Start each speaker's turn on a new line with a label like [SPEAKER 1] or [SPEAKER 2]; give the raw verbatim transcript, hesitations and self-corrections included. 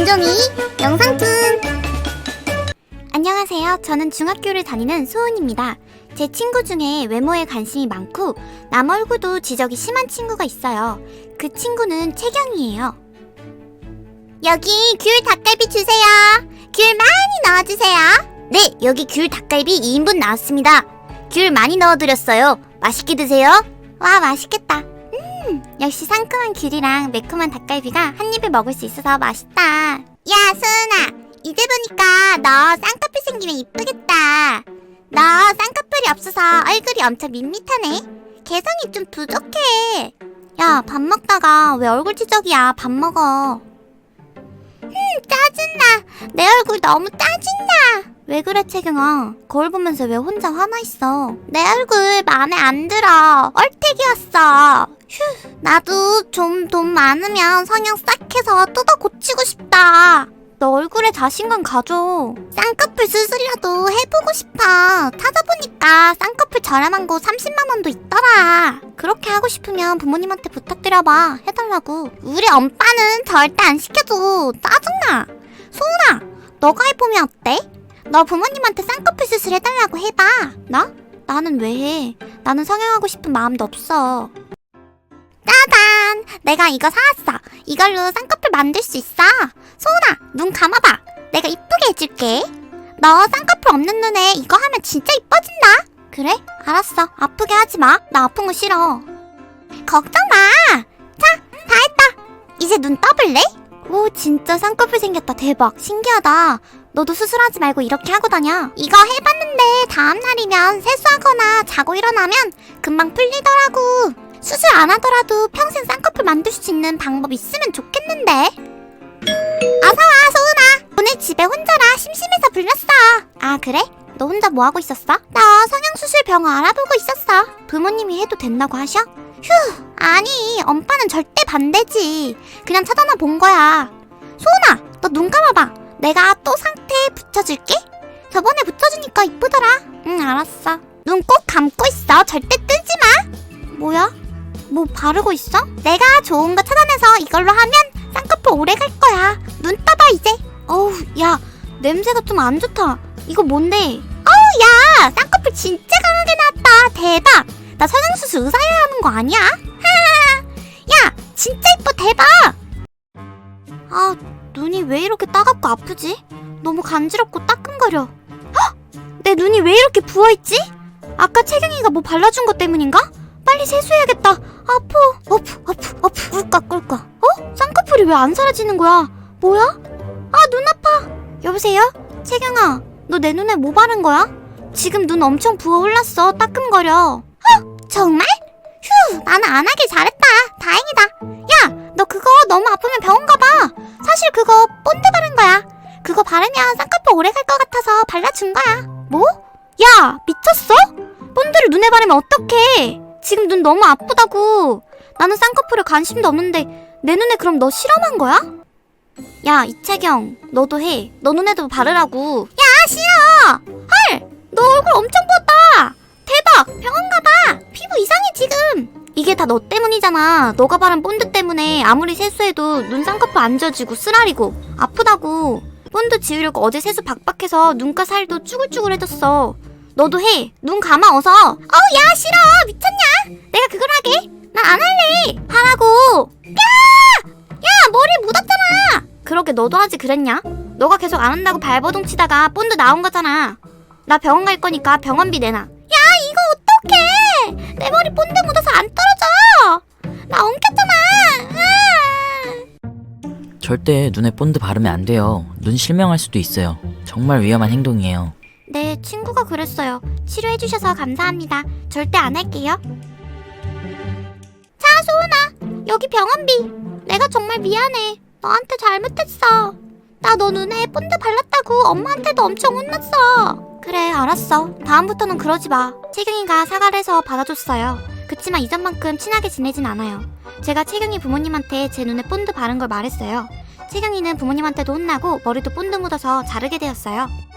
[SPEAKER 1] 김종이 영상툰.
[SPEAKER 2] 안녕하세요. 저는 중학교를 다니는 소은입니다. 제 친구 중에 외모에 관심이 많고 남 얼굴도 지적이 심한 친구가 있어요. 그 친구는 채경이에요.
[SPEAKER 1] 여기 귤 닭갈비 주세요. 귤 많이 넣어주세요.
[SPEAKER 2] 네, 여기 귤 닭갈비 이 인분 나왔습니다. 귤 많이 넣어드렸어요. 맛있게 드세요. 와, 맛있겠다. 음, 역시 상큼한 귤이랑 매콤한 닭갈비가 한 입에 먹을 수 있어서 맛있다.
[SPEAKER 1] 야, 소은아, 이제 보니까 너 쌍꺼풀 생기면 이쁘겠다. 너 쌍꺼풀이 없어서 얼굴이 엄청 밋밋하네. 개성이 좀 부족해.
[SPEAKER 2] 야, 밥 먹다가 왜 얼굴 지적이야. 밥 먹어.
[SPEAKER 1] 음, 짜증나. 내 얼굴 너무 짜증나.
[SPEAKER 2] 왜 그래, 채경아? 거울 보면서 왜 혼자 화나 있어?
[SPEAKER 1] 내 얼굴 마음에 안 들어. 얼태기였어. 휴, 나도 좀 돈 많으면 성형 싹 해서 뜯어 고치고 싶다.
[SPEAKER 2] 너 얼굴에 자신감 가져.
[SPEAKER 1] 쌍꺼풀 수술이라도 해보고 싶어. 찾아보니까 쌍꺼풀 저렴한 곳 삼십만 원도 있더라.
[SPEAKER 2] 그렇게 하고 싶으면 부모님한테 부탁드려봐. 해달라고.
[SPEAKER 1] 우리 엄빠는 절대 안 시켜줘. 짜증나. 소은아, 너가 해보면 어때? 너 부모님한테 쌍꺼풀 수술 해달라고 해봐.
[SPEAKER 2] 나? 나는 왜 해? 나는 성형하고 싶은 마음도 없어.
[SPEAKER 1] 짜잔! 내가 이거 사왔어. 이걸로 쌍꺼풀 만들 수 있어. 소은아, 눈 감아봐. 내가 이쁘게 해줄게. 너 쌍꺼풀 없는 눈에 이거 하면 진짜 이뻐진다.
[SPEAKER 2] 그래? 알았어. 아프게 하지 마. 나 아픈 거 싫어.
[SPEAKER 1] 걱정 마. 자, 다 했다. 이제 눈 떠볼래?
[SPEAKER 2] 오, 진짜 쌍꺼풀 생겼다. 대박. 신기하다. 너도 수술하지 말고 이렇게 하고 다녀.
[SPEAKER 1] 이거 해봤는데 다음 날이면 세수하거나 자고 일어나면 금방 풀리더라고. 수술 안 하더라도 평생 쌍꺼풀 만들 수 있는 방법 있으면 좋겠는데. 어서와, 소은아. 오늘 집에 혼자라 심심해서 불렀어.
[SPEAKER 2] 아, 그래? 너 혼자 뭐 하고 있었어?
[SPEAKER 1] 나 성형수술 병원 알아보고 있었어.
[SPEAKER 2] 부모님이 해도 된다고 하셔?
[SPEAKER 1] 휴, 아니, 엄빠는 절대 반대지. 그냥 찾아나 본 거야. 소은아, 너 눈 감아봐. 내가 또 상태에 붙여줄게. 저번에 붙여주니까 이쁘더라.
[SPEAKER 2] 응, 알았어.
[SPEAKER 1] 눈 꼭 감고 있어. 절대 뜨지 마.
[SPEAKER 2] 뭐야? 뭐 바르고 있어?
[SPEAKER 1] 내가 좋은 거 찾아내서 이걸로 하면 쌍꺼풀 오래 갈 거야. 눈 떠봐 이제.
[SPEAKER 2] 어우, 야, 냄새가 좀 안 좋다. 이거 뭔데?
[SPEAKER 1] 어우, 야, 쌍꺼풀 진짜 강하게 나왔다. 대박. 나 성형수술 의사야 하는 거 아니야? 하하. 야, 진짜 이뻐. 대박.
[SPEAKER 2] 아, 눈이 왜 이렇게 따갑고 아프지? 너무 간지럽고 따끔거려. 헉! 내 눈이 왜 이렇게 부어있지? 아까 채경이가 뭐 발라준 것 때문인가? 빨리 세수해야겠다. 아파. 어프, 어프, 어프. 꿀꺽, 꿀꺽. 어? 쌍꺼풀이 왜 안 사라지는 거야? 뭐야? 아, 눈 아파. 여보세요? 채경아, 너 내 눈에 뭐 바른 거야? 지금 눈 엄청 부어 올랐어. 따끔거려.
[SPEAKER 1] 어? 정말? 휴, 나는 안 하길 잘했다. 다행이다. 야, 너 그거 너무 아프면 병원 가봐. 사실 그거 본드 바른 거야. 그거 바르면 쌍꺼풀 오래 갈 것 같아서 발라준 거야.
[SPEAKER 2] 뭐? 야, 미쳤어? 본드를 눈에 바르면 어떡해? 지금 눈 너무 아프다고. 나는 쌍꺼풀에 관심도 없는데 내 눈에 그럼 너 실험한 거야? 야, 이채경, 너도 해. 너 눈에도 바르라고.
[SPEAKER 1] 야, 싫어. 헐, 너 얼굴 엄청 부었다. 대박, 병원 가봐. 피부 이상해 지금.
[SPEAKER 2] 이게 다 너 때문이잖아. 너가 바른 본드 때문에 아무리 세수해도 눈 쌍꺼풀 안 져지고 쓰라리고 아프다고. 본드 지우려고 어제 세수 박박해서 눈가 살도 쭈글쭈글해졌어. 너도 해. 눈 감아 어서.
[SPEAKER 1] 어우, 야, 싫어. 미쳤냐? 내가 그걸 하게? 난 안 할래.
[SPEAKER 2] 하라고.
[SPEAKER 1] 야! 야, 머리 묻었잖아.
[SPEAKER 2] 그러게 너도 하지 그랬냐? 너가 계속 안 한다고 발버둥 치다가 본드 나온 거잖아. 나 병원 갈 거니까 병원비 내놔.
[SPEAKER 1] 야, 이거 어떡해. 내 머리 본드 묻어서 안 떨어져. 나 엉켰잖아. 아!
[SPEAKER 3] 절대 눈에 본드 바르면 안 돼요. 눈 실명할 수도 있어요. 정말 위험한 행동이에요.
[SPEAKER 2] 네, 친구가 그랬어요. 치료해주셔서 감사합니다. 절대 안 할게요.
[SPEAKER 1] 자, 소은아, 여기 병원비. 내가 정말 미안해. 너한테 잘못했어. 나 너 눈에 본드 발랐다고 엄마한테도 엄청 혼났어.
[SPEAKER 2] 그래, 알았어. 다음부터는 그러지 마. 채경이가 사과를 해서 받아줬어요. 그치만 이전만큼 친하게 지내진 않아요. 제가 채경이 부모님한테 제 눈에 본드 바른 걸 말했어요. 채경이는 부모님한테도 혼나고 머리도 본드 묻어서 자르게 되었어요.